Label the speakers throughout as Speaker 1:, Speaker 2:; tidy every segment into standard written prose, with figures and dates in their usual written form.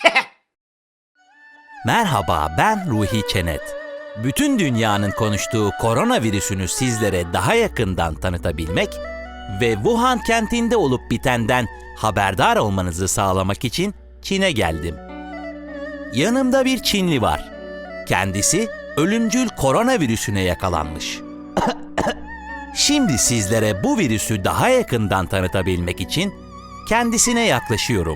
Speaker 1: Merhaba, ben Ruhi Çenet. Bütün dünyanın konuştuğu koronavirüsünü sizlere daha yakından tanıtabilmek ve Wuhan kentinde olup bitenden haberdar olmanızı sağlamak için Çin'e geldim. Yanımda bir Çinli var. Kendisi ölümcül koronavirüsüne yakalanmış. Şimdi sizlere bu virüsü daha yakından tanıtabilmek için kendisine yaklaşıyorum.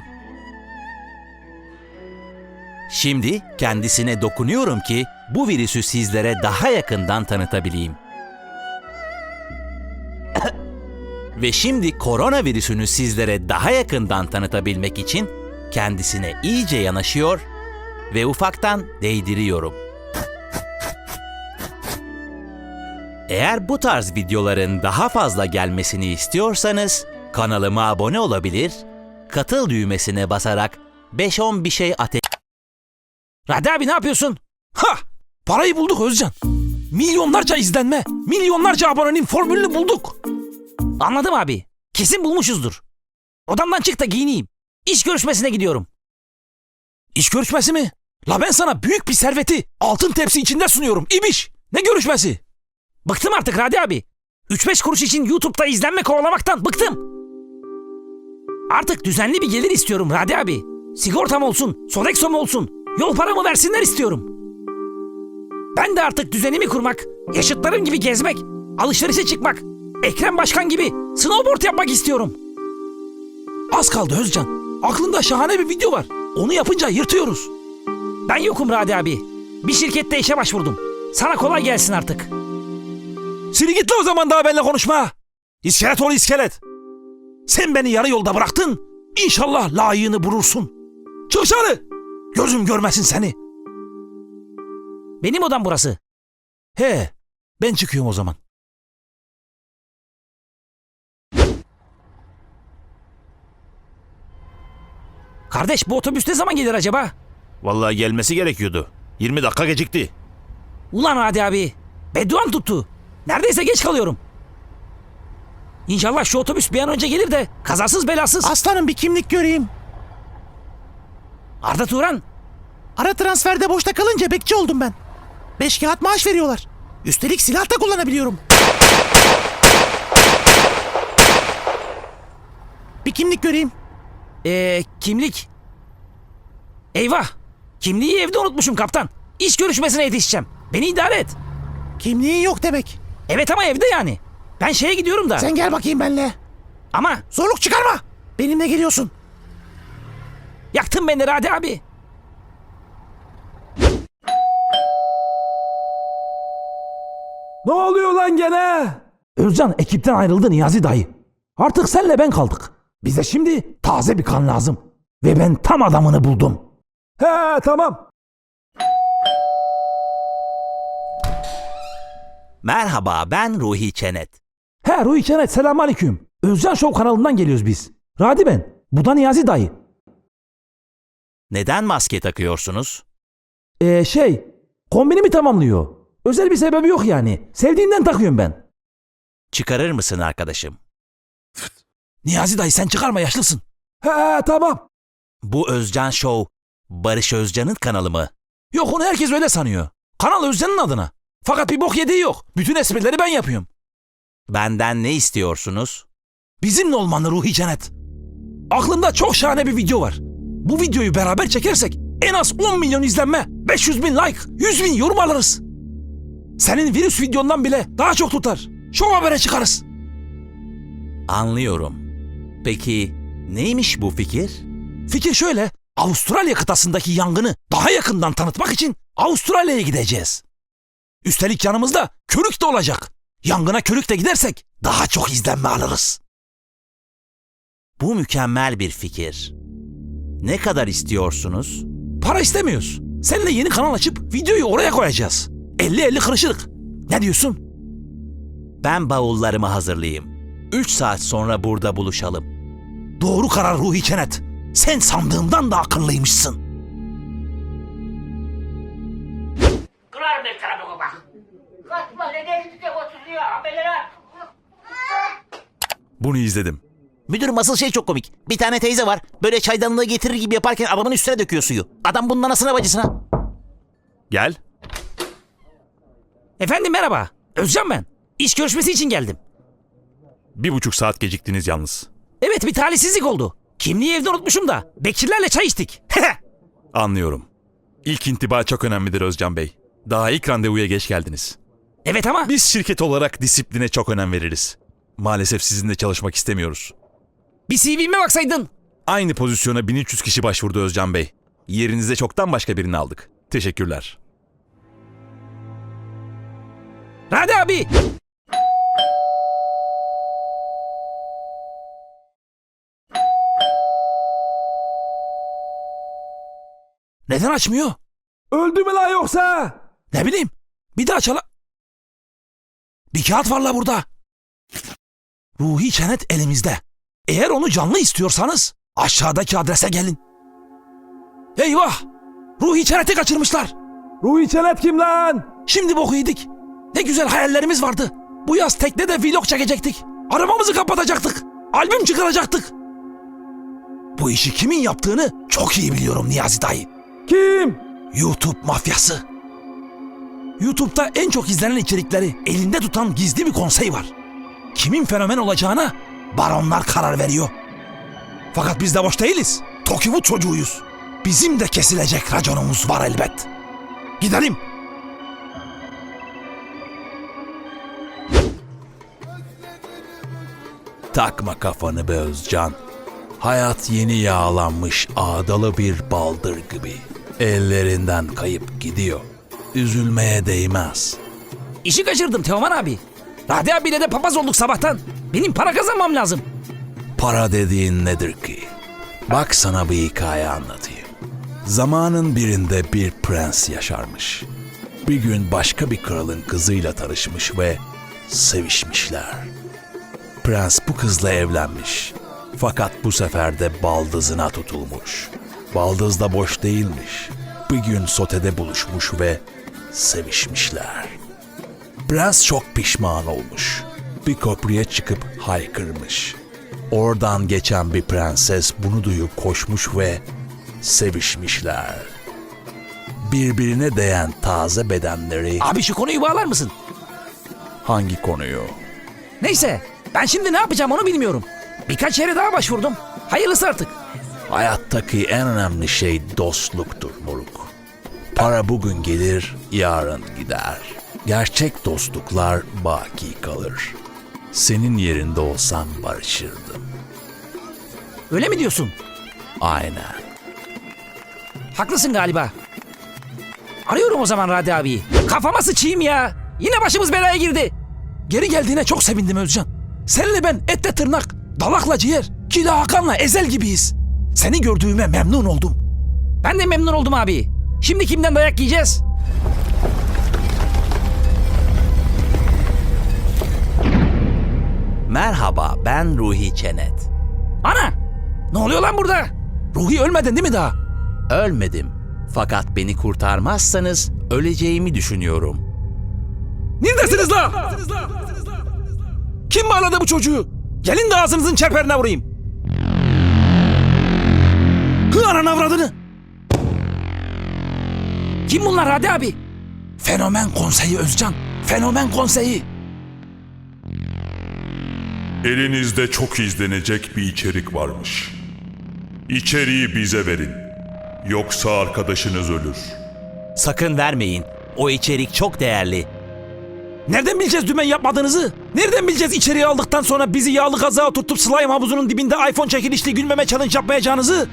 Speaker 1: Şimdi kendisine dokunuyorum ki bu virüsü sizlere daha yakından tanıtabileyim. Ve şimdi koronavirüsünü sizlere daha yakından tanıtabilmek için kendisine iyice yanaşıyor ve ufaktan değdiriyorum. Eğer bu tarz videoların daha fazla gelmesini istiyorsanız kanalıma abone olabilir, katıl düğmesine basarak 5-10 bir şey
Speaker 2: Radi abi ne yapıyorsun? Ha! Parayı bulduk Özcan. Milyonlarca izlenme, milyonlarca abonenin formülünü bulduk. Anladım abi. Kesin bulmuşuzdur. Odamdan çık da giyineyim. İş görüşmesine gidiyorum. İş görüşmesi mi? La ben sana büyük bir serveti altın tepsi içinde sunuyorum. İbiş. Ne görüşmesi? Bıktım artık Radi abi. 3-5 kuruş için YouTube'da izlenme kovalamaktan bıktım. Artık düzenli bir gelir istiyorum Radi abi. Sigortam olsun, Sodexo'm olsun. Yol paramı versinler istiyorum. Ben de artık düzenimi kurmak, yaşıtlarım gibi gezmek, alışverişe çıkmak, Ekrem Başkan gibi snowboard yapmak istiyorum. Az kaldı Özcan. Aklında şahane bir video var. Onu yapınca yırtıyoruz. Ben yokum Radi abi. Bir şirkette işe başvurdum. Sana kolay gelsin artık. Seni git o zaman daha benimle konuşma. İskelet ol iskelet. Sen beni yarı yolda bıraktın. İnşallah layığını bulursun. Çık dışarı. Gözüm görmesin seni. Benim odam burası. He, ben çıkıyorum o zaman. Kardeş bu otobüs ne zaman gelir acaba?
Speaker 3: Vallahi gelmesi gerekiyordu. 20 dakika gecikti.
Speaker 2: Ulan hadi abi. Bedduan tuttu. Neredeyse geç kalıyorum. İnşallah şu otobüs bir an önce gelir de kazasız belasız.
Speaker 4: Aslanım bir kimlik göreyim.
Speaker 2: Arda Turan.
Speaker 4: Ara transferde boşta kalınca bekçi oldum ben. 5 kağıt maaş veriyorlar. Üstelik silah da kullanabiliyorum. Bir kimlik göreyim.
Speaker 2: Kimlik. Eyvah. Kimliği evde unutmuşum kaptan. İş görüşmesine yetişeceğim. Beni idare et.
Speaker 4: Kimliğin yok demek.
Speaker 2: Evet ama evde yani. Ben şeye gidiyorum da.
Speaker 4: Sen gel bakayım benimle.
Speaker 2: Ama
Speaker 4: Zorluk çıkarma. Benimle geliyorsun.
Speaker 2: yaktın beni Radi abi. Ne oluyor lan gene? Özcan ekipten ayrıldı Niyazi dayı. Artık senle ben kaldık. Bize şimdi taze bir kan lazım. Ve ben tam adamını buldum. He tamam.
Speaker 1: Merhaba, ben Ruhi Çenet.
Speaker 2: He Ruhi Çenet selamünaleyküm. Özcan Show kanalından geliyoruz biz. Radi ben. Bu da Niyazi dayı.
Speaker 1: Neden maske takıyorsunuz?
Speaker 2: Kombinimi tamamlıyor. Özel bir sebebi yok yani. Sevdiğinden takıyorum ben.
Speaker 1: Çıkarır mısın arkadaşım?
Speaker 2: Niyazi dayı sen çıkarma yaşlısın. He tamam.
Speaker 1: Bu Özcan Show, Barış Özcan'ın kanalı mı?
Speaker 2: Yok onu herkes öyle sanıyor. Kanal Özcan'ın adına. Fakat bir bok yediği yok. Bütün esprileri ben yapıyorum.
Speaker 1: Benden ne istiyorsunuz?
Speaker 2: Bizimle olmanı Ruhi Cennet. Aklımda çok şahane bir video var. Bu videoyu beraber çekersek en az 10 milyon izlenme, 500 bin like, 100 bin yorum alırız. Senin virüs videondan bile daha çok tutar. Şov habere çıkarız.
Speaker 1: Anlıyorum. Peki neymiş bu fikir?
Speaker 2: Fikir şöyle. Avustralya kıtasındaki yangını daha yakından tanıtmak için Avustralya'ya gideceğiz. Üstelik yanımızda körük de olacak. Yangına körük de gidersek daha çok izlenme alırız.
Speaker 1: Bu mükemmel bir fikir. Ne kadar istiyorsunuz?
Speaker 2: Para istemiyoruz. Seninle yeni kanal açıp videoyu oraya koyacağız. 50-50 kırışırık. Ne diyorsun?
Speaker 1: Ben bavullarımı hazırlayayım. 3 saat sonra burada buluşalım.
Speaker 2: Doğru karar Ruhi Çenet. Sen sandığımdan da akıllıymışsın.
Speaker 5: Kırar bir tarafına bak. Kaçma ne geçti oturuyor amelere.
Speaker 3: Bunu izledim.
Speaker 4: Müdürüm asıl şey çok komik. Bir tane teyze var. Böyle çaydanlığı getirir gibi yaparken adamın üstüne döküyor suyu. Adam bunun anasına bacısına.
Speaker 3: Gel.
Speaker 2: Efendim merhaba. Özcan ben. İş görüşmesi için geldim.
Speaker 3: 1,5 saat geciktiniz yalnız.
Speaker 2: Evet bir talihsizlik oldu. Kimliği evde unutmuşum da. Bekirlerle çay içtik.
Speaker 3: Anlıyorum. İlk intiba çok önemlidir Özcan Bey. Daha ilk randevuya geç geldiniz.
Speaker 2: Evet ama
Speaker 3: Biz şirket olarak disipline çok önem veririz. Maalesef sizinle çalışmak istemiyoruz.
Speaker 2: bir CV'me baksaydın.
Speaker 3: Aynı pozisyona 1300 kişi başvurdu Özcan Bey. Yerinize çoktan başka birini aldık. Teşekkürler.
Speaker 2: Radi abi. Neden açmıyor? Öldü mü la yoksa? Ne bileyim. Bir daha çala... Bir kağıt var la burada. Ruhi Çenet elimizde. Eğer onu canlı istiyorsanız aşağıdaki adrese gelin. Eyvah! Ruhi Çenet'i kaçırmışlar. Ruhi Çenet kim lan? Şimdi boku yedik. Ne güzel hayallerimiz vardı. Bu yaz teknede vlog çekecektik. Arabamızı kapatacaktık. Albüm çıkaracaktık. Bu işi kimin yaptığını çok iyi biliyorum Niyazi dayı. Kim? YouTube mafyası. YouTube'da en çok izlenen içerikleri elinde tutan gizli bir konsey var. Kimin fenomen olacağına baronlar karar veriyor. Fakat biz de boş değiliz. Tokyo'nun çocuğuyuz. Bizim de kesilecek raconumuz var elbet. Gidelim.
Speaker 6: Takma kafanı be Özcan. Hayat yeni yağlanmış ağdalı bir baldır gibi. Ellerinden kayıp gidiyor. Üzülmeye değmez.
Speaker 2: İşi kaçırdım Teoman abi. Radi abiyle de papaz olduk sabahtan. Benim para kazanmam lazım.
Speaker 6: Para dediğin nedir ki? Bak sana bir hikaye anlatayım. Zamanın birinde bir prens yaşarmış. Bir gün başka bir kralın kızıyla tanışmış ve sevişmişler. Prens bu kızla evlenmiş. Fakat bu sefer de baldızına tutulmuş. Baldız da boş değilmiş. Bir gün sotede buluşmuş ve sevişmişler. Prens çok pişman olmuş. Bir köprüye çıkıp haykırmış. Oradan geçen bir prenses bunu duyup koşmuş ve sevişmişler. Birbirine değen taze bedenleri...
Speaker 2: Abi şu konuyu bağlar mısın?
Speaker 6: Hangi konuyu?
Speaker 2: Neyse ben şimdi ne yapacağım onu bilmiyorum. Birkaç yere daha başvurdum. Hayırlısı artık.
Speaker 6: Hayattaki en önemli şey dostluktur moruk. Para bugün gelir, yarın gider. Gerçek dostluklar baki kalır. Senin yerinde olsam barışırdım.
Speaker 2: Öyle mi diyorsun?
Speaker 6: Aynen.
Speaker 2: Haklısın galiba. Arıyorum o zaman Radi abiyi. Kafama sıçayım ya. Yine başımız belaya girdi. Geri geldiğine çok sevindim Özcan. Seninle ben etle tırnak, dalakla ciğer, Kila Hakan'la Ezel gibiyiz. Seni gördüğüme memnun oldum. Ben de memnun oldum abi. Şimdi kimden dayak yiyeceğiz?
Speaker 1: Merhaba, ben Ruhi Çenet.
Speaker 2: Ana! Ne oluyor lan burada? Ruhi ölmedin değil mi daha?
Speaker 1: Ölmedim. Fakat beni kurtarmazsanız öleceğimi düşünüyorum.
Speaker 2: Neredesiniz la? Kim bağladı bu çocuğu? Gelin de ağzınızın çerperine vurayım. Hı ananı avradını. Kim bunlar Hadi abi? Fenomen konseyi Özcan. Fenomen konseyi.
Speaker 7: Elinizde çok izlenecek bir içerik varmış. İçeriği bize verin. Yoksa arkadaşınız ölür.
Speaker 1: Sakın vermeyin. O içerik çok değerli.
Speaker 2: Nereden bileceğiz dümen yapmadığınızı? Nereden bileceğiz içeriye aldıktan sonra bizi yağlı kazağa tutup slime havuzunun dibinde iPhone çekilişli gülmeme challenge yapmayacağınızı?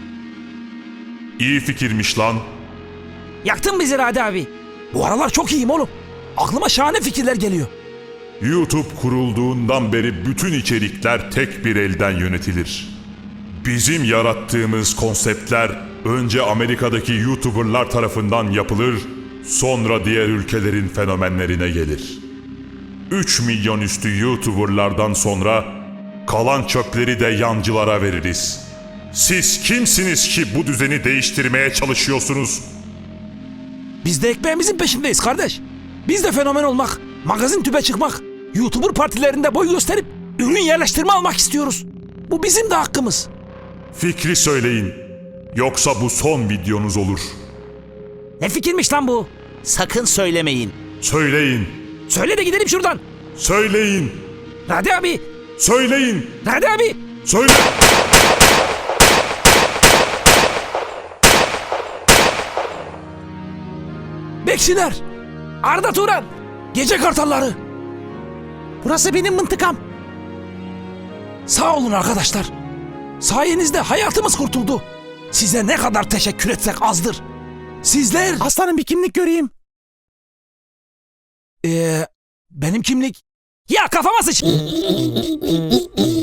Speaker 7: İyi fikirmiş lan.
Speaker 2: Yaktın bizi Hadi abi. Bu aralar çok iyiyim oğlum. Aklıma şahane fikirler geliyor.
Speaker 7: YouTube kurulduğundan beri bütün içerikler tek bir elden yönetilir. Bizim yarattığımız konseptler önce Amerika'daki YouTuber'lar tarafından yapılır, sonra diğer ülkelerin fenomenlerine gelir. 3 milyon üstü YouTuber'lardan sonra kalan çöpleri de yancılara veririz. Siz kimsiniz ki bu düzeni değiştirmeye çalışıyorsunuz?
Speaker 2: Biz de ekmeğimizin peşindeyiz kardeş. Biz de fenomen olmak, magazin tübe çıkmak, YouTuber partilerinde boy gösterip ürün yerleştirme almak istiyoruz. Bu bizim de hakkımız.
Speaker 7: Fikri söyleyin. Yoksa bu son videonuz olur.
Speaker 2: Ne fikirmiş lan bu?
Speaker 1: Sakın söylemeyin.
Speaker 7: Söyleyin.
Speaker 2: Söyle de gidelim şuradan.
Speaker 7: Söyleyin.
Speaker 2: Radi abi.
Speaker 7: Söyleyin.
Speaker 2: Radi abi.
Speaker 7: Söyle.
Speaker 2: Bekçiler. Arda Turan. Gece kartalları.
Speaker 4: Burası benim mıntıkam.
Speaker 2: Sağ olun arkadaşlar. Sayenizde hayatımız kurtuldu. Size ne kadar teşekkür etsek azdır. Sizler...
Speaker 4: Aslanım bir kimlik göreyim.
Speaker 2: Benim kimlik... Ya kafama sıç...